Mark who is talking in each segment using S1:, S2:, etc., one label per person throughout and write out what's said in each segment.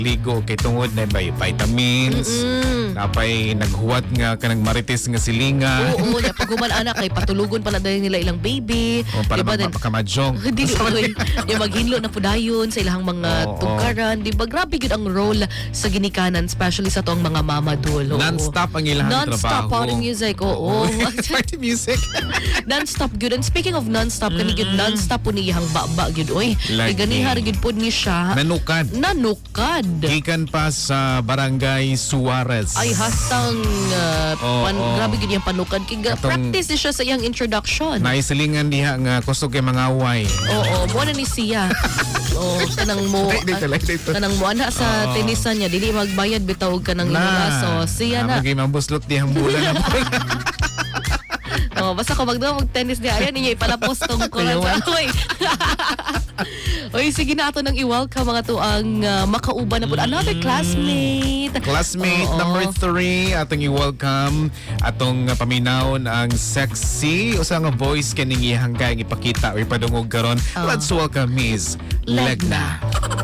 S1: ligo kay tungod na may vitamins. Napay naghuwat nga kanang marites nga silinga.
S2: Oo, ya pag human anak kay patulugon pala dahil nila ilang baby.
S1: O para
S2: Diba,
S1: makamadjong.
S2: Dili oy, yung maghinlo na pudayon sa ilang mga
S1: Oo.
S2: tungkaran, di ba? Grabe yun ang role sa ginikanan, especially sa tong mga mamadul.
S1: Non-stop ang ilang trabaho.
S2: Non-stop party music, oo.
S1: Party music.
S2: Non-stop good. And speaking of non-stop, kani gyud non-stop po niyang baba gyud oy.
S1: Lagi.
S2: Kay ganihar gyud pod ni siya.
S1: Nanukad.
S2: Nanukad.
S1: Gikan pa sa Barangay Suarez.
S2: Ay hastang
S1: Oo.
S2: grabe gyud yung panukad. Kay practice ni siya sa iyang introduction.
S1: Naisilingan diha nga kusog kay mga away.
S2: Oo, mo na ni siya. Oo, kanang mo
S1: Dito.
S2: kanang mo ana sa tenisan niya dili magbayad bitaw og kanang inulaso. Siya na.
S1: Magay mabuslot dihang bulan na bulan.
S2: Oh, basta ko mag-tennis niya ayan niya ipalapos tong kuran sa oy. Oy, sige na ato nang i-welcome mga to ang makauban na po another classmate.
S1: Classmate
S2: Oo.
S1: number 3 atong i-welcome atong paminawon ang sexy usa nga voice kaning iyang kay ipakita o ipadungog karon. Let's welcome Miss Legna.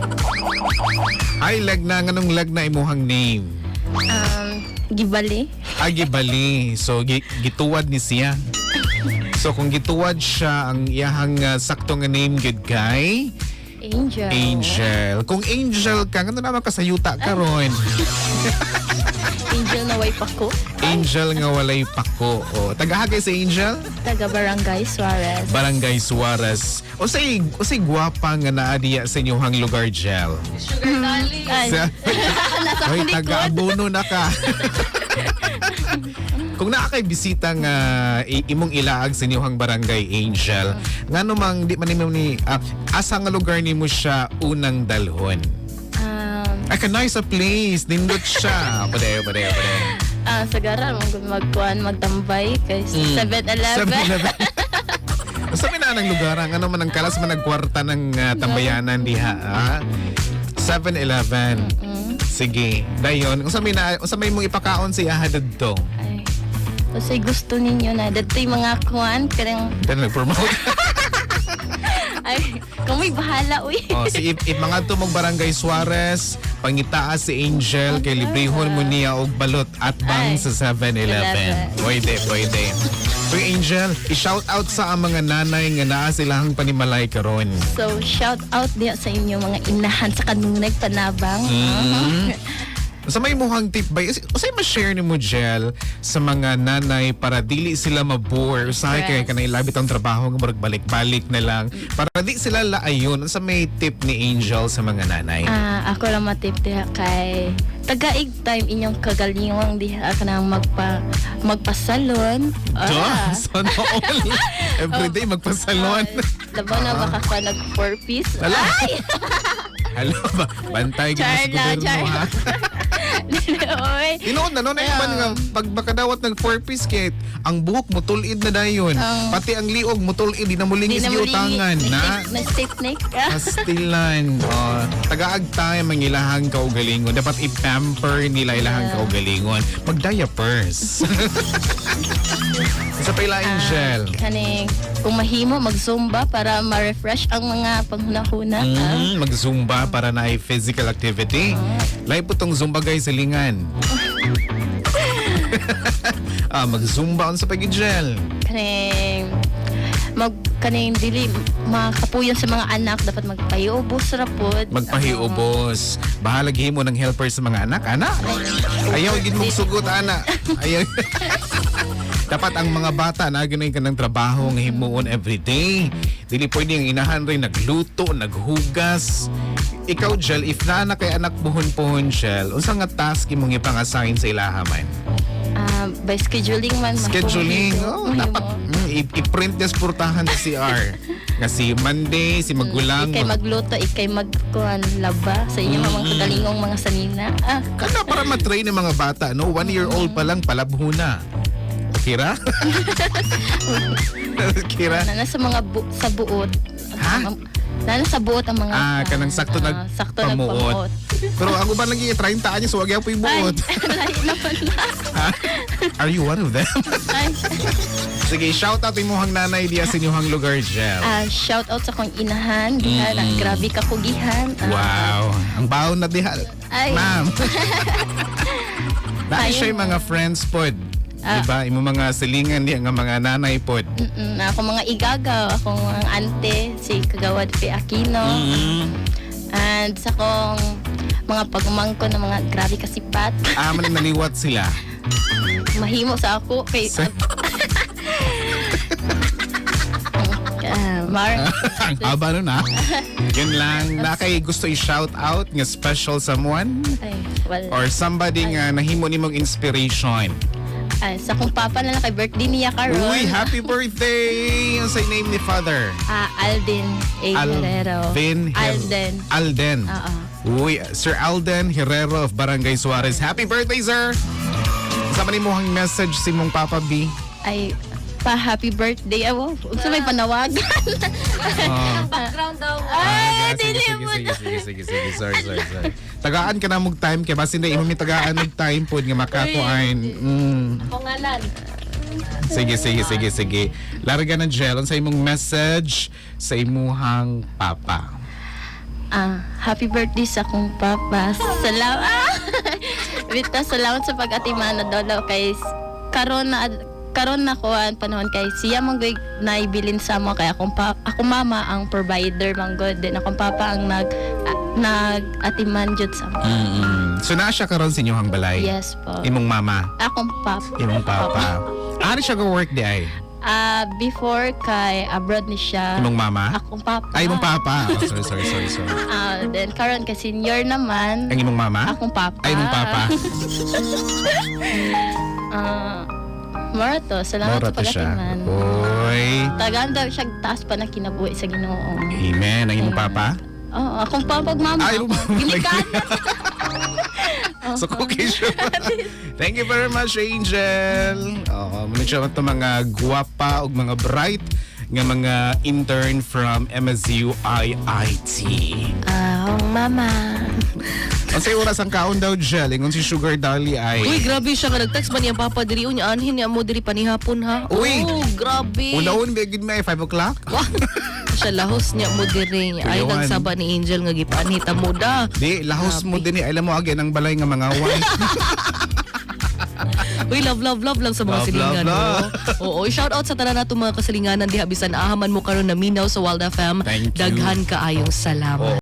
S1: Hi Legna, nganong Legna imuhang name?
S3: Gibali.
S1: Agibali. So gituwad ni siya. So kung gituwad siya ang iyang sakto nga name gud kay
S3: Angel.
S1: Angel. Kung Angel ka, ngano naman kasayuta karon?
S3: Angel na way pako.
S1: Angel nga walay pako. O, tagahagay si Angel?
S3: Taga Barangay Suarez.
S1: Barangay Suarez. Usay gwapa nga naa diya sa inyong lugar, Gel.
S3: Ay,
S1: Sa,
S3: nasa
S1: Hoy,
S3: likod.
S1: taga-abono na ka. Kung naa kay bisita nga imong ilaag sa inyong barangay, Angel, ngano mang di man nimo ni asa nga lugar nimo siya unang dalhon? Ay, kanay sa place. Nindot siya. Pade.
S3: Sa garal, magtambay kay 7-Eleven.
S1: Sabi na ng lugar, ano man ang kalas man nagkwarta ng tambayanan diha. 7-Eleven. Sige. Dayon, unsa may mong ipakaon sa ihadad to?
S3: Ay, kasi gusto ninyo na dato'y mga kuan karang
S1: Then nag-promote.
S3: ay kami bahala uy.
S1: Si if mga to mong Barangay Suarez, pangitaas si Angel kay librehon mo niya og balot at bang
S3: Ay,
S1: sa 7-Eleven. Pwede. So Angel, i-shout out sa ang mga nanay nga naa silang panimalay karon.
S3: So shout out diya sa inyo mga inahan sa kanunay panabang.
S1: Sa may muhang tip ba? Usay ma-share ni mo, Gel, sa mga nanay para dili sila mabore. Usahay kaya
S3: Yes.
S1: kanay labit ang trabaho nga balik-balik na lang. Para di sila laayon. Sa may tip ni Angel sa mga nanay?
S3: Ako lang matip diha kay tagaig time inyong kagalingong diha ka nang magpasalon.
S1: Sana all. Everyday magpasalon.
S3: Laban na baka ka nag 4-piece.
S1: Hala. Hala ba? Bantay ka sa gobyerno, ha?
S3: Oy.
S1: Tinood na, no? Naman nga, pag makadawat ng 4-piece kit, ang buhok mo tulid na dayon. Pati ang liog mo tulid, di na mulingis giutangan. Na?
S3: Stiff neck.
S1: Pastilan. Tagaag tayo mangilahang kaugalingon. Dapat i-pamper nila ilahang kaugalingon. Mag-diapers. Sa pila, Angel.
S3: Kaning kung mahimo mag-zumba para ma-refresh ang mga panghunahuna.
S1: Mag-zumba para na ay physical activity. Live po tong zumba guys sa lingan. Mag-zumba on sa pag-gel.
S3: Kaning dili makapuyon sa mga anak dapat magpahiubos rapod.
S1: Magpahiubos. Bahala himo ng helper sa mga anak. Ayaw gid mong sugot, ana. Ayaw. Dapat ang mga bata na ganay ka ng trabaho nga himuon everyday. Dili pwede ang inahan rin nagluto, naghugas. Ikaw, Gel, if na kay anak buhon-puhon, Gel, unsa nga task imong ipang-assign sa ilaha man?
S3: By scheduling man.
S1: Scheduling. Dapat i-print des portahan sa CR. Nga si Monday, si Magulang.
S3: Ikay magluto, ikay magkuhan laba sa inyo mga kagalingong mga sanina.
S1: Kana para matrain ng mga bata, no? 1-year-old pa lang, palabhuna. Kira? Kira?
S3: Nana sa mga sa buot.
S1: Ha?
S3: Nana sa buot ang mga
S1: Kanang sakto nagpamuot. Pero ako ba lagi 30 anyos, so wag po yung buot.
S3: Ay, lahi naman na.
S1: Are you one of them?
S3: Ay,
S1: Sige, shout out imuhang nanay diya sa inyong lugar, Jel.
S3: Shout out sa kong inahan, gihan, grabe ka ko gihan.
S1: Wow, ang baon na diha.
S3: Ay.
S1: Ma'am. Dahil
S3: Ayun.
S1: siya yung mga friends pod. Diba? Imo mga silingan diya nga mga nanay pod.
S3: Ako mga igagaw, akong mga ante, si Kagawad P. Aquino. And sa kong mga pagumangko ng mga grabe kasipat.
S1: Man naliwat sila.
S3: Mahimo sa ako kay
S1: Ang haba nun ha. Yun lang. Na kay gusto i-shout out nga special someone
S3: Ay, wala.
S1: or somebody nga nahimo nimong inspiration.
S3: Ay, sa kong papa na lang kay birthday niya karon.
S1: Uy, happy birthday! Ang say name ni Father?
S3: Alden A. Herrero. Alden. Oo.
S1: Uy, Sir Alden Herrero of Barangay Suarez. Happy birthday, sir! Sama ni mo ang message si mong Papa B.
S3: Ay, happy birthday. Awo, sa may panawagan.
S2: Background daw.
S3: Ay,
S1: sige,
S3: dili mo.
S1: sige. Sorry. Tagaan ka na mong time kaya basin na imo mi tagaan ng time pod nga makakuan.
S2: Pangalan.
S1: Sige. Larga na Jel sa imong message sa imuhang papa.
S3: Happy birthday sa akong papa. Salamat. Vita, salamat sa pag-atiman na dolo kay karon na ko ang panahon kay siya manggoy naibilin sa mo kay akong mama ang provider manggod din akong papa ang nag-atiman jud sa mo.
S1: So naa siya karon sa inyong balay?
S3: Yes po.
S1: Imong mama?
S3: Akong papa.
S1: Imong papa. Ano siya go work di ay?
S3: Before kay abroad ni siya.
S1: Imong mama?
S3: Akong papa.
S1: Ay, imong papa. Oh, sorry.
S3: Then karon kay senior naman.
S1: Ang imong mama?
S3: Akong papa.
S1: Ay, imong papa.
S3: Mora to, salamat
S1: Mora
S3: sa
S1: to siya.
S3: pag-atiman.
S1: Oy.
S3: Tagaan daw siya taas pa na kinabuhi sa Ginoo.
S1: Amen. Ang imong papa?
S3: Oo, akong mama.
S1: Ay, imong mama.
S3: Ginikan.
S1: So, cookie show. Thank you very much, Angel. Muna siya ito mga guwapa o mga bright nga mga intern from MSU IIT.
S3: Mama.
S1: Ang sa'yo oras ang kaon daw, Jel. Ingon si Sugar Dolly ay...
S2: Uy, grabe siya nga nag-text ba niya papa diri unya anhin niya mo diri panihapon ha.
S1: Uy!
S2: Oh, grabe.
S1: Una-un, begid may 5 o'clock?
S2: Wah. Siya lahos niya mo diri. Ay
S1: Kuyawan.
S2: nagsaba ni Angel nga gipanhita mo da.
S1: Di, lahos mo din. Alam mo, again, ang balay nga mga wife.
S2: Uy, love lang sa mga
S1: Love,
S2: silingan
S1: love.
S2: mo. Oo, shout out sa tanan nato mga kasilinganan diha bisan ahaman mo karon na minaw sa Wild FM.
S1: Thank you.
S2: Daghan kaayong salamat.